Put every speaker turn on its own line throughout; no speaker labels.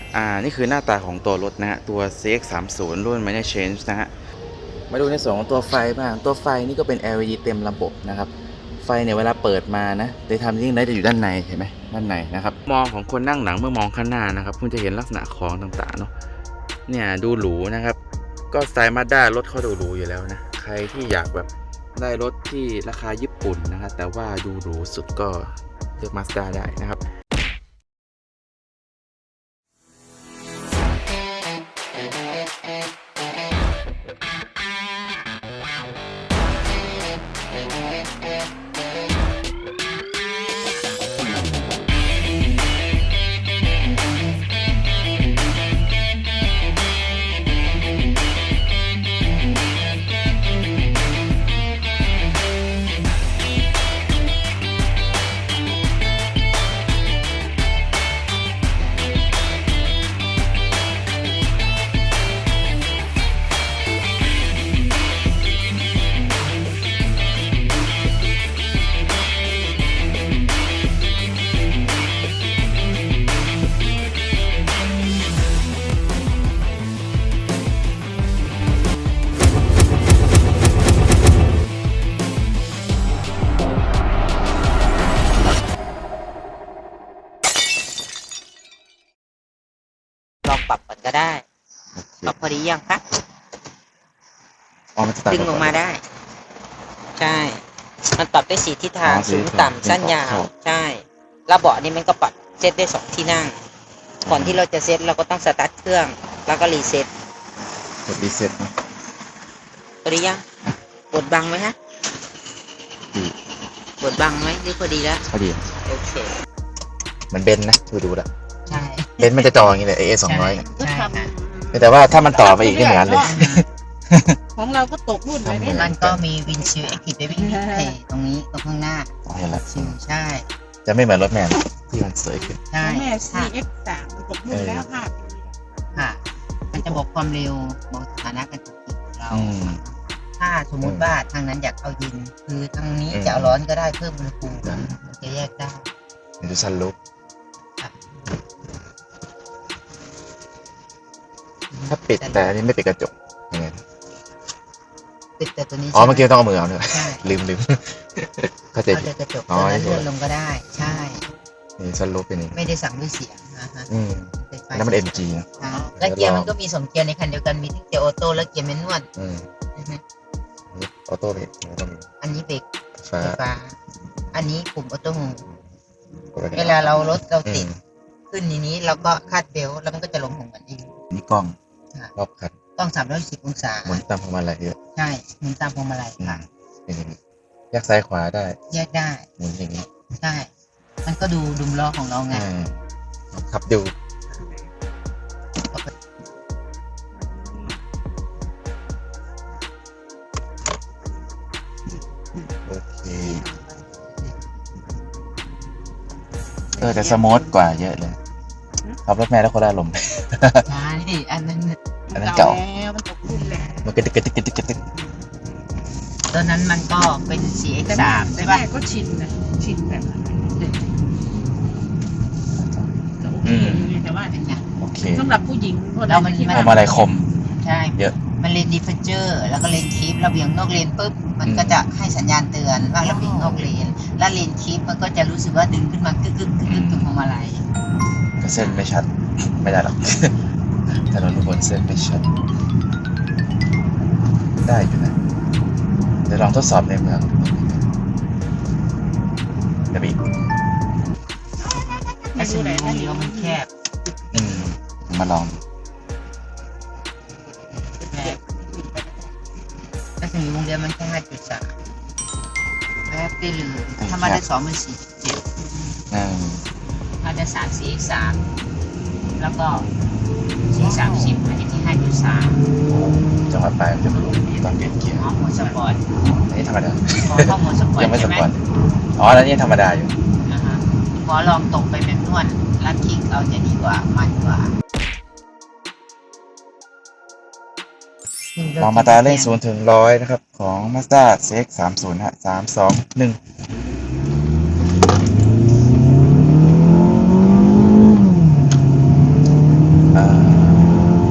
นี่คือหน้าตาของตัวรถนะฮะตัว CX-30 รุ่น Minor Change นะฮะมาดูในส่วนของตัวไฟบ้างตัวไฟนี่ก็เป็น LED เต็มระบบนะครับไฟเนี่ยเวลาเปิดมานะโดยทำยิ่งได้จะอยู่ด้านในเห็นไหมด้านในนะครับมองของคนนั่งหลังเมื่อมองข้างหน้านะครับคุณจะเห็นลักษณะของต่างๆเนาะเนี่ยดูหรูนะครับก็สไตล์มาด้ารถเขาดูหรูอยู่แล้วนะใครที่อยากแบบได้รถที่ราคาญี่ปุ่นนะครับแต่ว่าดูหรูสุดก็เลือก Mazda ได้นะครับ
ลองปรับก่อนก็ได้ปรับพอดียังคะดึงออกมาได้ใช่มันปรับได้4ทิศทางสูงต่ำสั้นยาวใช่แล้วเบาะนี่มันก็ปรับเซตได้2ที่นั่งก่อนที่เราจะเซตเราก็ต้องสตาร์ทเครื่องแล้วก็รีเซ็ต
กดรีเซ็ต
พอดียังกดบังไหมฮะกดบังไหมหรือพอดีแล้ว
พอดี
โอเค
มันเบนนะดูละ
ใช่
เบนมันจะจออย่างนี้เลย AS200
ใช่ค่ะ
แต่ว่าถ้ามันต่อไปอีกได้เหมือนกันเลย
ของเราก็ตกรุ่นไปเนี่ย
มันก็มีวินชิลแอคทีฟเบบี้ตรงนี้ตรงข้างหน้าชิลใช่
จะไม่เหมือนรถแมนที่มันสวยขึ้น
ใช่แม่ CX3 ตกรุ่นแล้วค่ะ
ค่ะมันจะบอกความเร็วบอกสถานะการขับขี่ของเราถ้าสมมุติว่าทางนั้นอยากเอาเย็นคือทางนี้จะเอาร้อนก็ได้เพิ่มอุณหภูมิจะแยกได้
ดูซันลุกถ้าปิดแต่อันนี้ไม่ปิดกระจกยังไง
ปิดแต่ตัวนี้
เมื่อกี้ต้องเอามือเอาเนี่ยลืมเข้าใจ
เอากระจกตัวนั้นเลื่อนลงก็ได้ใช่
นี่ซันลุกเป็นอย่างนี้
ไม่ได้สั่งด้วยเสียงนะฮะ
แล้วมัน MG นะ
แล้วเกียร์มันก็มี2เกียร์ในคันเดียวกันมีทั้งเกียร์ออโต้และเกียร์แมนนวล
ออโต้เบรก
อันนี้เบรกไฟฟ้าอันนี้ปุ่มออโต้โฮมเวลาเรารถเราติดขึ้นนี้เราก็คาดเบลต์แล้วมันก็จะลงของมันเอง
นี่กล้องรอบคัน
กล้อง310องศา
หมุนตามพวงมาลัยเยอะ
ใช่หมุนตามพวงมาลัยค่ะ
เป็นอย่างนี้แยกซ้ายขวาได้
แยกได้
หมุนอย่างนี้
ใช่มันก็ดูดุมล้อของเราไง
ขับดูโอเคแต่สมูทกว่าเยอะเลยขับรถแม่แล้วคนละลม
ใช่ดิอันนั้น
เก่า
มันตกรุ่นแล้ว
มันกระตึก
ตอนนั้นมันก็เป็น CX3 ใช่
ป่ะ
ก็
ชินนะชินแบบแต่ว่า
โอเค
สำหรับผู้หญิง
เรามัน
อะไรคม
ใช่
เยอะ
มันเลนดิฟเจอร์แล้วก็เลนคีประเบียงนอกเลนปุ๊บมันก็จะให้สัญญาณเตือนว่าระเบียงนอกเลนแล้วเลนคีมันก็จะรู้สึกว่าดึงขึ้นมากึกตรงพวงมาลัย
ก็เส้นไม่ชัดไม่ได้หรอกถนนทุกคนเส้นไม่ชัดได้อยู่นะเดี๋ยวลองทดสอบในเมืองเดี๋ยวอีก
ไม่รู้เลยนะเลี้ยวมันแคบ
มาลอง
ถ้าถึงวงเลี้ยวมันแค่5.3แป๊บได้เลยถ้ามาได้2มัน4.7มาได้3 4 3แล้วก็430มันจะที่5.3
จังหวะปลายมันจะรู้ตอนเปลี่ยนเกียร์
โหมดสปอร์ต
อันนี้ธรรมดา
เข้าโหมดสปอร์ต
ยังไม่สปอร์ตแล้วนี่ธรรมดาอยู่
พอลองตกไปแบบนวดลัดคลิกเอาจะดีกว่ามันกว่า
ลองมาตาเร่ง0 ถึง 100นะครับของ Mazda CX-30 ฮะ3 2 1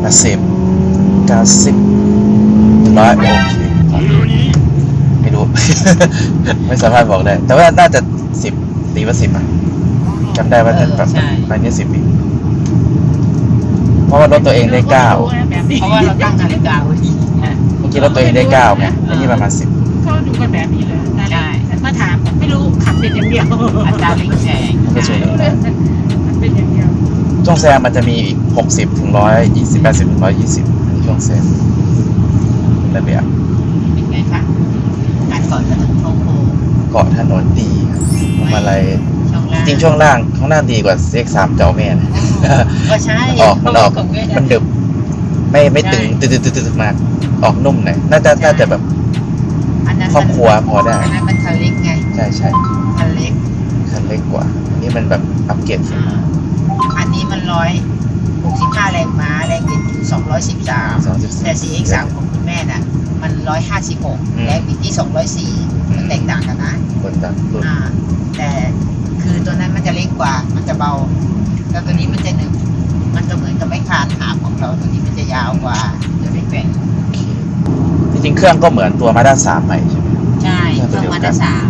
90 100โอเคไม่รู้ ไม่สามารถบอกได้ แต่ว่าน่าจะ10ตีว่า10อ่ะจำได้ว่าแบบอันนี้10อีกเพราะว่ารถตัวเองได้9
แบบนี้
เพราะว่าเราตั้งนาฬิกาไว้ดีนะ
เมื่อกี้รถตัวเองได้9ไงอันนี้ประมาณ10
เขาดูกันแบบนี้เลย
ใช่
มาถามไม่รู้ขับเป็นอย่างเดียว
อัตราเร่งแซง
มันก็ช่วยได้
มันเป็นอย่างเดียว
ช่วงแซงมันจะมีอีก60ถึง120 80ถึง120อันนี้ช่วงแซงระเบียบ
เป็นไงคะการก่อนถนนโค้ง
เกาะถนนดีครับพวงมาลัย
ช่องล่าง
จริงช่วงล่างข้างล่างดีกว่า CX3 เจ้าแม่นะ
ก็ใช่
มันออกมันดึบไม่ตึงตึดมากออกนุ่มหน่อยน่าจะแบบ
อันนั้น
ครอบครัวพอได้
อันนั้นมันคันเล็กไง
ใช่
คันเล็ก
คันเล็กกว่าอันนี้มันแบบอัปเกรดขึ้นมา
อันนี้มัน165 แรงม้าแรงบิดอยู่213แต่ CX3 ของคุณแม่น่ะมัน156แรงบิดที่204มันแตกต่างกันนะ
คนต่างรุ่น
แต่คือตัวนั้นมันจะเล็กกว่า มันจะเบา แล้วตัวนี้มันจะหนึบมันก็เหมือนกับไม้คานหาบของเรา ตัวนี้มันจะยาวกว่าจะไม่แกว่ง
โอเคจริงๆเครื่องก็เหมือนตัวมาด้า3ใหม่ใช่ไหม
ใช่
เค
เค
รื่
รื่
อ
อง ง
เดียวกัน
มาด้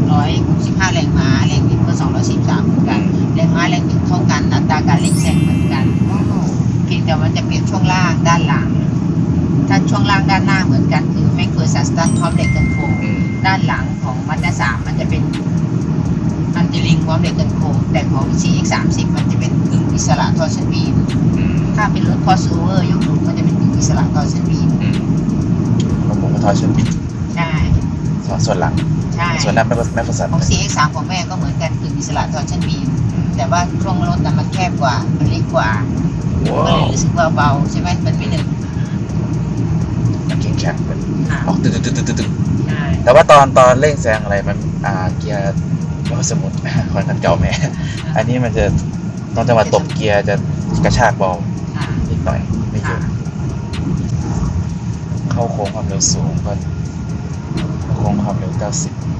365 แรงม้า แรงบิดก็213เหมือนกัน แรงม้าแรงบิดเท่ากัน อัตราการเร่งแซงเหมือนกัน เพียงแต่มันจะเปลี่ยนช่วงล่างด้านหลัง ถ้าช่วงล่างด้านหน้าเหมือนกันคือแม็กเฟอร์ซัสตันพร้อมเหล็กกันโค้ง ด้านหลังของมาด้า3มันจะเป็นอันติลิงพร้อมเหล็กกันโค้งแต่ของ CX30 มันจะเป็นกึ่งอิสระทอร์ชันบีม ถ้าเป็นรถ crossover ยกหลุมมันจะเป็นกึ่งอิสระทอร์ชันบีม
ของผมก็ทอร์ชันบิด
ใช่
ส่วนหลัง
ใช่
ส่วนหน้าไม่ประสาน
ของ CX3 ของแม่ก็เหมือนกันกึ่งอิสระทอร์ชันบีมแต่ว่าช่วงรถน่ะมันแคบกว่า มันเล็กกว่าก็เลยรู้สึกว่าเบาใช่ไหมมันไม่หนึบ
มันแข็งๆเป็นออกตึ๊ด
ใช่
แต่ว่าตอนเร่งแซงอะไรมันเกียร์สมุด คอนคันเก่าแม่ อันนี้มันจะตอนจังหวะตบเกียร์จะกระชากเบา
ค่ะ
นิดหน่อยไม่เยอะเข้าโค้งความเร็วสูงก็เข้าโค้งความเร็ว90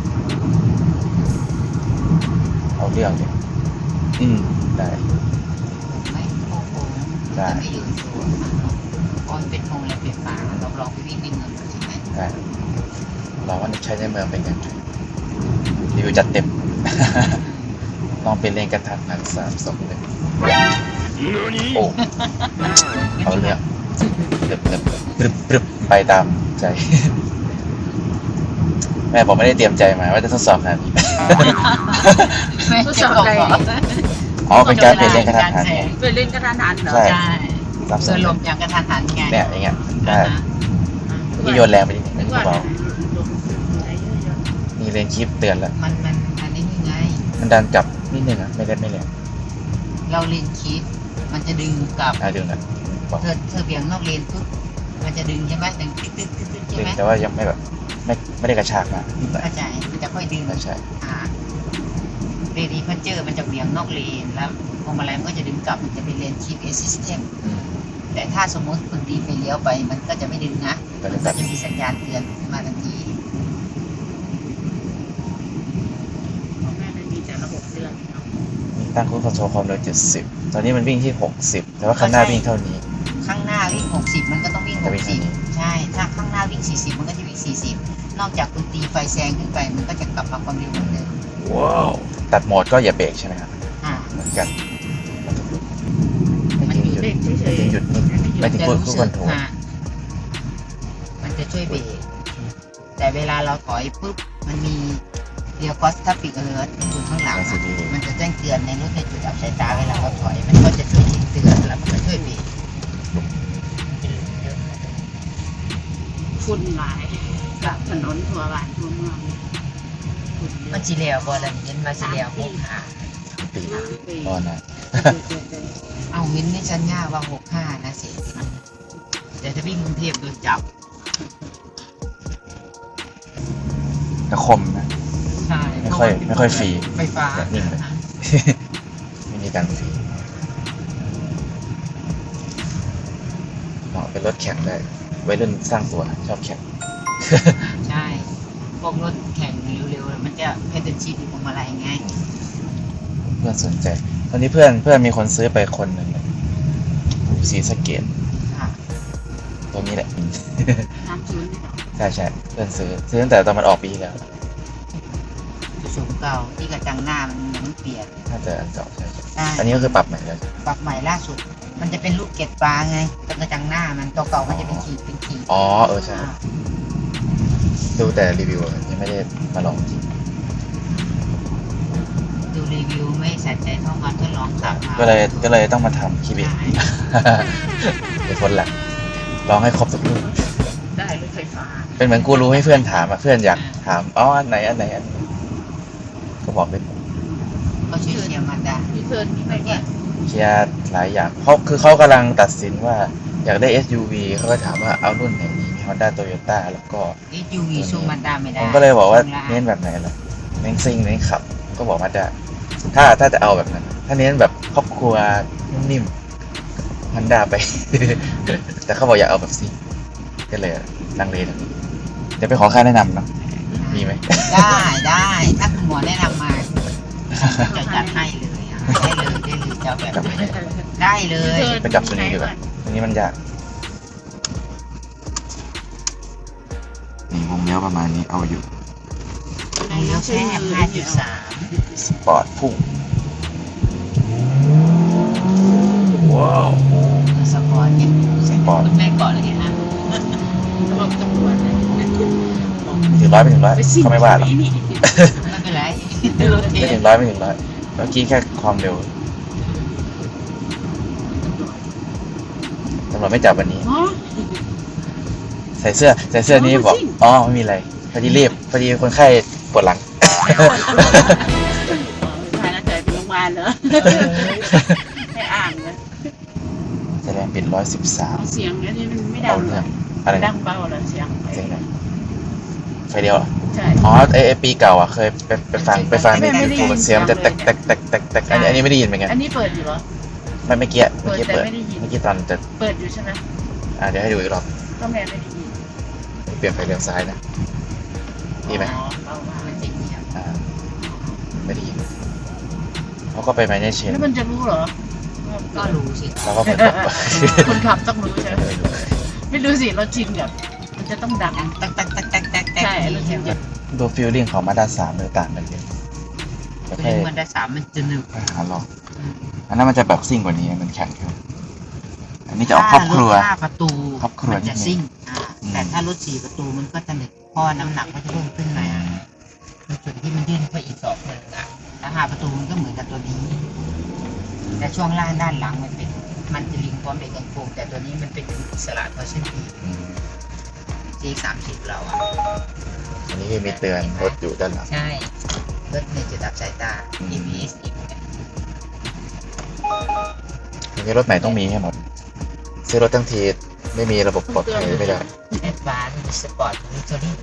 เอาเรื่องเลยได้
ไม่โค้งๆ
ได้
จะไม่อยู่สูงเพราะมันเป็นโมเลกุลไฟฟ้าเราลองไปวิ่งในเมืองดูใช่ไหม
ได้ลองว่าใช้ในเมืองเป็นยังไงรีวิวจัดเต็ม ลองเป็นเลนกระทันหัน3 2 1โอ้เอาเรื่องปรึบไปตามใจ แม่ผมไม่ได้เตรียมใจมาว่าจะทดสอบขนาดนี้
ไม่ทดสอบอะไร
อ๋อเป็นการเปลี่ยนเลนกระทันหันไง
เป็นเล่นกระทันหันเหรอ
ใช่
ใช่
3 2
เพื่อลมอย่างกระทันหันไง
เนี่ยอย่างเงี้ยได้
อ่าฮะ
นี่โยนแรงไปนิดนึ
นึ
ง
กว่า
เบา
อะไรเยอะ
มีเลนคลิปเตือนแล้ว
มันนี่ไง
มันดันกลับนิดนึงอ่ะไม่แรง
เราเลนคิด มันจะดึงกลับ
ดึงนะบอก
เธอเบี่ยงนอกเลนปุ๊บมันจะดึงใช่ไหมดึงตึ๊ดตึ๊ดตึ๊ดตึ๊ดใช่
ดึง
ไหม
แต่ว่ายังไม่แบบไม่ได้กระชากมากนิดหน่อย
เข้าใจมันจะค่อยดึง
ใช่
เรดีพันเจอร์มันจะเบี่ยงนอกเลนแล้วพวงมาลัยมันก็จะดึงกลับมันจะเป็นเลนคิดเอซิสเต็มแต่ถ้าสมมติคุณดีไปเลี้ยวไปมันก็จะไม่ดึงนะ
ก็
มัน
จะ
ก็จะมีสัญญาณเตือนขึ้นมาทันที
ของแม่ไม่มีแต่ระบบเตือนเนาะ
มีตั้งคูณคอนโทรลความเร็ว70 ตอนนี้มันวิ่งที่60แต่ว่าข้างหน้าวิ่งเท่านี้
ข้างหน้าวิ่ง 60 มันก็ต้องวิ่ง
จะวิ่งเท่านี้
60 ใช่ ถ้าข้างหน้าวิ่ง 40 มันก็จะวิ่ง 40 นอกจากคุณตีไฟแซงขึ้นไป มันก็จะกลับมาความเร็วเหมือนเดิม
ตัดโหมดก็อย่าเบรกใช่ไหมครับ
อ่า
เหมือนกัน
มันอยู่เล่นเฉย
ไม่ถึงหยุดนิ่ง
ๆ
ไม่ถึง
จะ
พูด
รู้
ค
สึ
อน
ก
โทรล
มันจะช่วยเบรก แต่เวลาเราถอยปุ๊บ มันมีเรียกว่าทัฟฟิกเออร์อยู่ข้างหลังอะมันจะแจ้งเตือนในรถในจุดอับสายตาเวลาเราถอย มันก็จะช่วยเตือนแล้วมันก็ช่วยเบรก
ฝุ่นหลายกับถนนทั่วบ้านทั่วเมืองฝุ่นเย
มั
อะ
นจีเลียวบอลเย็นมาจีเลียวพวกหา
ปี
3 ปี
ก็นะ
เอาวินนี่ชันย่าว่า65นะสิเดี๋ยวจะวิ่งกรุงเทพโดนจับ
กระคมนะ
ใช่
ไม่ค่อยฟรี
ไฟฟ้า
แต่นิ่งเลย ไม่มีการฟรีเหมาะเป็นรถแข่งได้วัยรุ่นสร้างตัวชอบแข่ง
ใช่พวกรถแข่งเร็วๆมันจะเพดชีดีพวงมาลัยไง
เพื่อนสนใจ ตอนนี้เพื่อนมีคนซื้อไปคนหนึ่งอยู่ศรีสะเกษ
ค่ะ
ตัวนี้แหละ
30นี่เหรอ
ใช่ใช่เพื่อนซื้อตั้งแต่ตอนมันออกปีที่แล้ว
สูงเก่าที่กระจังหน้ามันยังไม่เปลี่ยน
น่าจะอันเก่าใช่ใช่
ใช่
อันนี้ก็คือปรับใหม่แล้ว
ปรับใหม่ล่าสุด มันจะเป็นลูกเกล็ดปลาไงตรงกระจังหน้ามันตัวเก่ามันจะเป็นขีดเป็นขีด
อ๋อใช่ดูแต่รีวิวอะยังไม่ได้มาลองจริง
ดูรีวิวไม่ใส่ใจเท่ากันทดลองขับมา
ก็เลยต้องมาทำคลิปเอง
ใช่
เป็นคนหลักลองให้ครบทุกรุ่น
ได้รถไฟฟ้า
เป็นเหมือนกูรู้ให้เพื่อนถามอ่ะเพื่อนอยากถามอ๋ออันไหนก็บอกเลย
ก็เชียร์มาดา
รีเทิร์นมีไหมเนี่ย
เคลียร์หลายอย่างเขากำลังตัดสินว่าอยากได้ SUV เขาก็ถามว่าเอารุ่นไหนดีมี Honda Toyota แล้วก็
SUV สู้มาดาไม่ได้
ผมก็เลยบอกว่า
สู้
เน้นแบบไหนล่ะเน้นซิ่งเน้นขับ ก็บอกมาได้ถ้าจะเอาแบบนั้น ถ้าเน้นแบบครอบครัวนิ่มๆ Honda ไป แต่เขาบอกอยากเอาแบบซิ่งก็เลยลังเลตรงนี้เดี๋ยวไปขอค่าแนะนำเนาะมีไหม
ได้ถ้าคุณหมอแนะนำมาจะจัดให้เลยอะได้เลยจะเอาแบบไหนได้เลย
ไปจับตัวนี้ดีกว่าตัวนี้มันยากนี่วงเลี้ยวประมาณนี้เอาอยู่
แล้วแค่5.3
สปอร์ตพุ่งว้าว
สปอร์ตเนี่ย
สปอร์ต
คุณแม่ก่อนเลยนะ
บอกตำรวจนะ
ถึงร้อยไม่ถึงร้อย
ไปสิ้น
เขาไม่ว่าหรอก
นี่
ไม่เป็นไรรถเท
ไม่ถึงร้อยไม่ถึงร้อยเมื่อกี้แค่ความเร็วตำรวจไม่จับวันนี้
อ๋อ
ใส่เสื้อนี้บอกอ๋อไม่มีอะไรพอดีรีบพอดีคนไข้ปวดหลัง
พานักใจไปโรงพยาบาลเหรอให้อ่านเลย
แสดงปิด113
เอาเสียงอันนี้มันไม่ดั
เอา
ง
เรื่องอะไร
ดั
นะ
งเบาเหรอเสียง
เสียงไหนไฟเดียวเหรอ
ใช่
อ๋อไอปีเก่าอ่ะเคยไปฟังในยูทูบเสียงมันจะแตกอันนี้ไม่ได้ยินเหมือนกัน
อันนี้เปิดอยู่เหรอ
ไม่เมื่อกี้
เปิดแต่
เปิด
ไม่ได้ยิน
เมื่อกี้ตอนจะ
เปิดอยู่ใช่ไหม
เดี๋ยวให้ดูอีกรอบ
ก็แม่ไม่ได้ยิน
เปลี่ยนไฟเลี้ยวซ้ายนะดีไหม
อ๋อเบามาก
มันจริงเนี่ย
ไม่ได้ยินเขาก็ไปไมเนเชน
แล้วมันจะรู้เหรอ
ก็รู้สิ
เราก็เหมือนบอกว่า
คนขับต้องรู้ใช่ไหม
ไม่รู้
ไม่รู้สิรถชินแบบมันจะต้องดัง
ตัก
ใช่รถชินจะ
ดูฟีลลิ่งของมาด้า3เลยต่างกันเยอะแล้ว
คือ
ค่อย
มันได้3มันจะหนึบ
หาลองอันนั้นมันจะแบบซิ่งกว่านี้มันแข็งขึ้นอันนี้จะออกครอบครัว
ถ้าประตู
ครอบครัว
มันจะซิ่ง
อืม
แต่ถ้ารถ4ประตูมันก็จะหนึบเพราะน้ำหนักมันจะเพิ่มขึ้นมาในจุดที่มันยื่นไปอีก2 1อ่ะแล้ว5ประตูมันก็เหมือนกับตัวนี้ แต่ช่วงล่างด้านหลังมันจะลิงก์พร้อมเบรกกันโค้งแต่ตัวนี้มันเป็นอิสระตัวเส้นปี
อืม
G30 เราอ่ะ
อันนี้คือมีเตือนรถอยู่ด้านหลัง
ใช่รถในจุดดับสายตา ABS อีก
อันนี้รถใหม่ต้องมีให้หมดซื้อรถทั้งทีไม่มีระบบปลอดภัยไม่ได้
แอดวานซ์มีสปอร์ตมีตัวนี้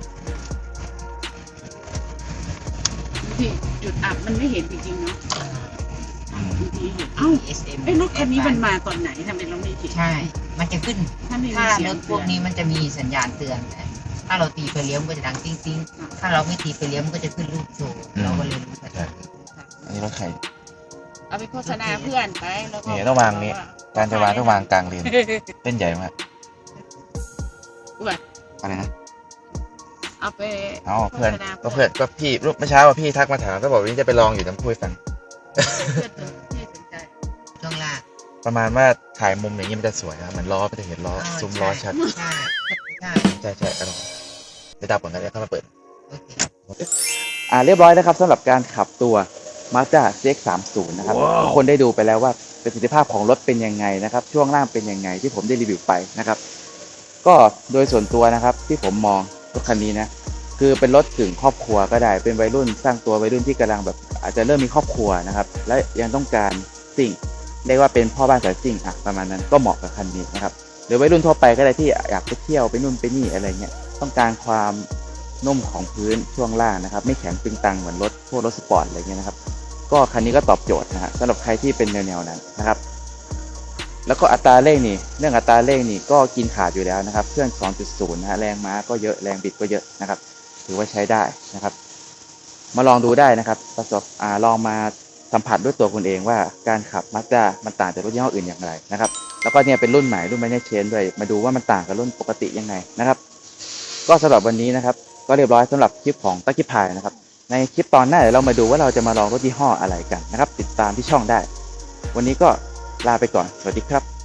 ที่จุดอับมันไม่เห็นจริงๆเนาะบางทีเห็นเอ้า
SM
ไอ้รถคันนี้มันมาตอนไหนทำไมเราไม่เห็น
ใช่ มันจะขึ้น
ถ้าไม่มี
ถ้า
เสีย
รง ถพ
เตื
ว
อก น
นี้มันจะมีสัญญาณเตือนนะถ้าเราตีไฟเลี้ยวมันก็จะดังติ้งติ้งถ้าเราไม่ตีไฟเลี้ยวมันก็จะขึ้นรูปโชว์เราก็เลยรู้ทันที
อันนี้รถใคร
เอาไปโฆษณาเพื่อนไปแล้วก็
นี่ต้องวางนี้ การจะวางต้องวางกลางเลนเต้นใหญ่มาก
อ้วน
อะไรนะ
เอาไป
เอ้าเพื่อน
โฆษณา
ก็เพื่อนก็พี่รูปเมื่อเช้าพี่ทักมาถามก็บอกว่านี่จะไปลองอยู่น้ำพุให้ฟัง
เพื่อนที่สนใจ
ช่วงล่าง
ประมาณว่าถ่ายมุมอย่างนี้มันจะสวยนะเหมือนล้อมันจะเห็นล้อซุ้มล้อชัด
ใช่ใช่
ใช่อร่อยไปดับก่อนกันแล้วเข้ามาเปิด
โอเค
เรียบร้อยนะครับสำหรับการขับตัว Mazda CX-30 นะครับทุกคนได้ดูไปแล้วว่าประสิทธิภาพของรถเป็นยังไงนะครับช่วงล่างเป็นยังไงที่ผมได้รีวิวไปนะครับก็โดยส่วนตัวนะครับที่ผมมองรถคันนี้นะคือเป็นรถถึงครอบครัวก็ได้เป็นวัยรุ่นสร้างตัววัยรุ่นที่กำลังแบบอาจจะเริ่มมีครอบครัวนะครับและยังต้องการสิ่งเรียกว่าเป็นพ่อบ้านสายซิ่งประมาณนั้นก็เหมาะกับคันนี้นะครับหรือวัยรุ่นทั่วไปก็ได้ที่อยากไปเที่ยวไปนู่นไปนี่อะไรเงี้ยต้องการความนุ่มของพื้นช่วงล่างนะครับไม่แข็งตึงตังเหมือนรถพวกรถสปอร์ตอะไรเงี้ยนะครับก็คันนี้ก็ตอบโจทย์นะฮะสำหรับใครที่เป็นแนวนั้นนะครับแล้วก็อัตราเร่งนี่เรื่องอัตราเร่งนี่ก็กินขาดอยู่แล้วนะครับเครื่อง 2.0 นะฮะแรงม้าก็เยอะแรงบิดก็เยอะนะครับถือว่าใช้ได้นะครับมาลองดูได้นะครับลองมาสสัมผัสด้วยตัวคุณเองว่าการขับ Mazda มันต่างจากรถยี่ห้ออื่นอย่างไรนะครับแล้วก็เนี่ยเป็นรุ่นใหม่รุ่น Minor Change ด้วยมาดูว่ามันต่างกับรุ่นปกติยังไงนะครับก็สำหรับวันนี้นะครับก็เรียบร้อยสำหรับคลิปของLucky Piนะครับในคลิปตอนหน้าเดี๋ยวเรามาดูว่าเราจะมาลองรถยี่ห้ออะไรกันนะครับติดตามที่ช่องได้วันนี้ก็ลาไปก่อนสวัสดีครับ